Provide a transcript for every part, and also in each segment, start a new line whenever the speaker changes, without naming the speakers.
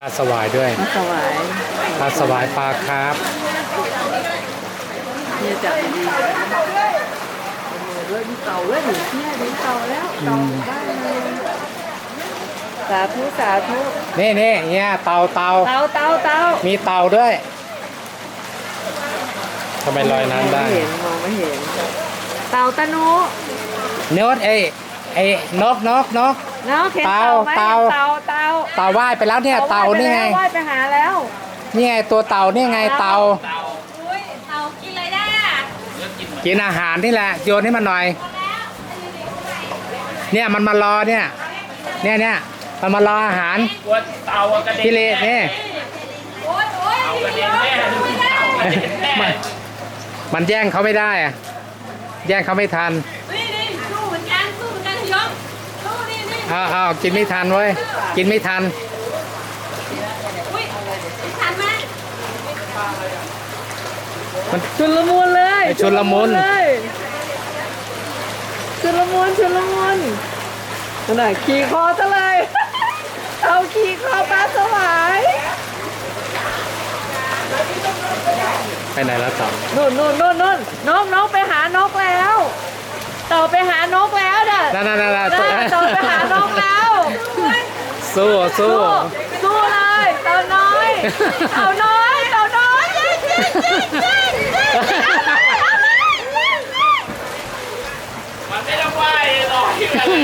ปลาสวายด้วย
ปลาสวาย
ปลาสวายปลาคาร์ฟ
เนี่ยจับดีๆด้วยมีเต่าด้วยหนูเนี่ยมีเต่าแล้วเต่าได้เลยสาธุสาธุ
นี่เนี่ยเต่า
เต่า
มีเต่าด้วยทำไมลอยน้ำได้
มองไม่เห็นเต่าตะนุ
เนื้อไอ้นก
เนาะเห็นเต่าไหมเต่า
ว่ายไปแล้วเนี่ยเต่านี่ไง
ว่ายไปหาแล้ว
นี่ไงตัวเต่านี่ไงเต่า
เต่ากินอะไรได้อะ
กินอาหารนี่แหละโยนให้มันหน่อยเนี่ยมันมารอเนี่ยมันมารออาหาร
ตัวเต่ากระเด็น
พี่เลนี่
โอ๊ย
เต่ากระเด็นแม่ลูกเต่ากระเด็นแม่
มันแย่งเขาไม่ได้อะแย่งเขาไม่ทัน
นี่สู้เหมือนกันยกสู้นี่
เอากินไม่ทันเว้ยกินไม่ทัน
อุ้ยทันไหม
มัน
ชุลมุนเลย
ชุลมุน
นั่นน่ะขี่คอซะเลย เอาขี่คอปลาสวาย
ไปไหนแล้วต่อ
นู่นนกไปหานกแล้วเต่าไปหานกแล้วน่ะ
นั่น
เต่าไปหานกแล้ว
สู้
สู้เลยเต่าน้อย
มันไม่ต้องไหวหรอก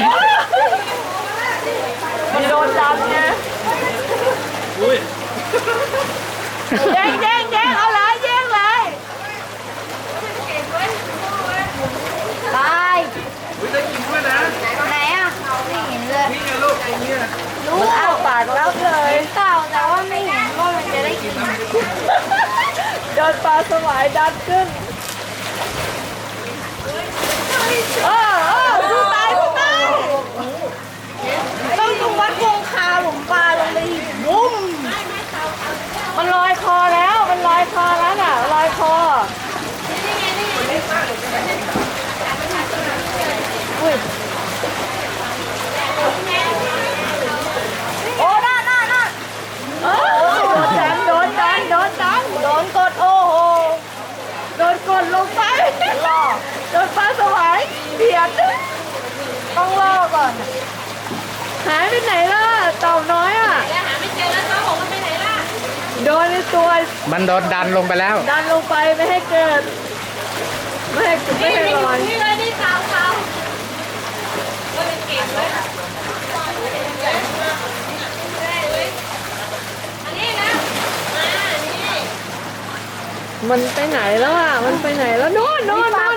มีโดนจับไง
อุ้ย
แย่งเอาเลยแย่งเลยตาย
อุ้ยได้กินด้วยนะ
ไหนอ่ะไม่เห็นเลย
นี่ไงลูกไอ้เนี่ย
มันอ้าปากรับเลย
เต่าแต่ว่าไม่เห็นว่ามันจะได้กิน
โดนปลาสวายดันขึ้นสู้ตายต้องวัดวงคาผมปลาลงไปบุ้มมันลอยคอแล้วน่ะลอยคออุ้ยโอ้น่าโดนกดโอ้โหโดนกดลงไปโดนปลาสวายเบียดต้องล่อก่อนหายไปไหนล่ะเต่าน้อยอ่ะ
แล้วหาไม่เจอแล้วเขาบอกว่าไปไหนล่ะ
โดนในตัว
มันโดนดันลงไปแล้ว
ดันลงไปไม่ให้เกิดไม่ให้ลอย
นี่เลยนี่เต่าก็เป็นเก่งเลยอันนี้นะนี่
มันไปไหนแล้วอ่ะมันไปไหนแล้วนู่น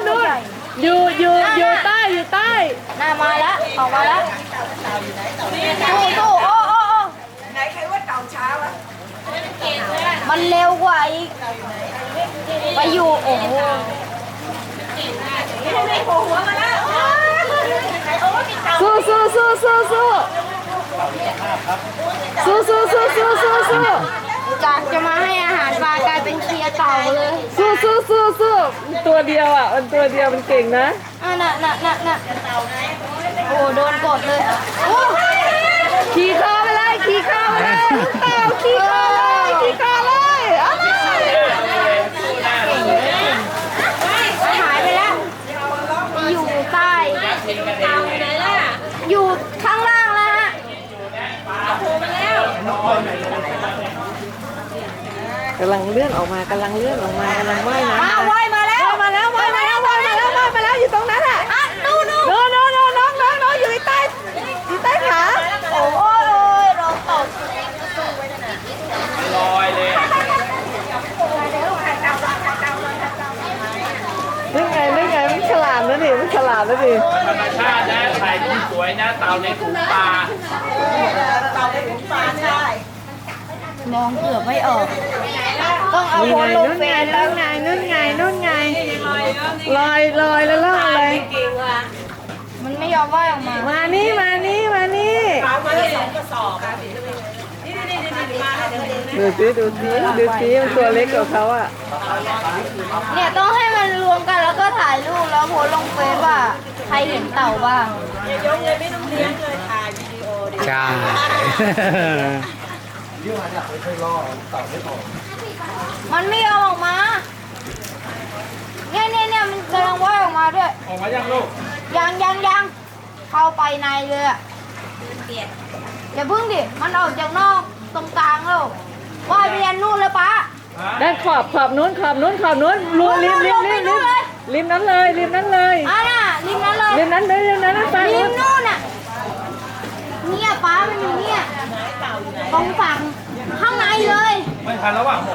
อยู่ใต้
น่ามาแล้วออกมาแล้วสู้โอ้ไหนใครว่าเต่าช้าวะมันเร็วกว่าอีกไปอยู่โอ้โหหัวมาแล้วจากจะมาให้อาหารปลากลายเป็นเคลียร์เต่าเลย
สู้ตัวเดียวอ่ะมันตัวเดียวมันเก่งนะ
น่ะโอ้โดนกดเลยโอ้
ขี่คอไปเลยเต่าขี่คอเลยอ้าว
หายไปแล้วอยู่ใต้เต่าไหนล่ะอยู่ข้างล่างแล้วฮะโผล่มาแล้ว
กำลังเลื่อนออกมากำลังว่ายน้ำ
ว่ายมาแล้ว
ว่ายมาแล้วอยู่ตรงนั้นอ่ะ
นู่น
น้องอยู่ใต้ขาโอ้ย
เราตก
ลอยเลย
นี่ไงมันฉลาดนะดิ
ธรรมชาตินะถ่ายรูปสวยนะเต่าในถุงปลาม
องเกือบไม่ออกต้องเอาโพสลงเฟซแล้ว
นู่นไงลอยแล้วล่องเลย
มันไม่ยอมว่ายออกมา
มานี่ ดูสิมันตัวเล็กกว่าเขาอ่ะ
เนี่ยต้องให้มันรวมกันแล้วก็ถ่ายรูปแล้วโพสลงเฟซว่าใครเห็นเต่าบ้าง
ใช่
มันไม่ยอมออกมา เนี่ยมันกำลังว่ายออกมาด้วย
ออกมายังลูก
ยังเข้าไปในเลยอะอย่าพึ่งดิ มันออกจากนอกตรงกลางแล้วว่ายไปยันนู่นเลยป้า
ด้านขอบนู้นรูริมนั้นเลย
อ่ะน่ะริมนั้นเลย
ริมนั้นไป
ริมนู่นน่ะเนี่ยป้ามันอยู่เนี่ยตรงฝั่งข้างในเลย
ไม่ทันแล้วว่ะ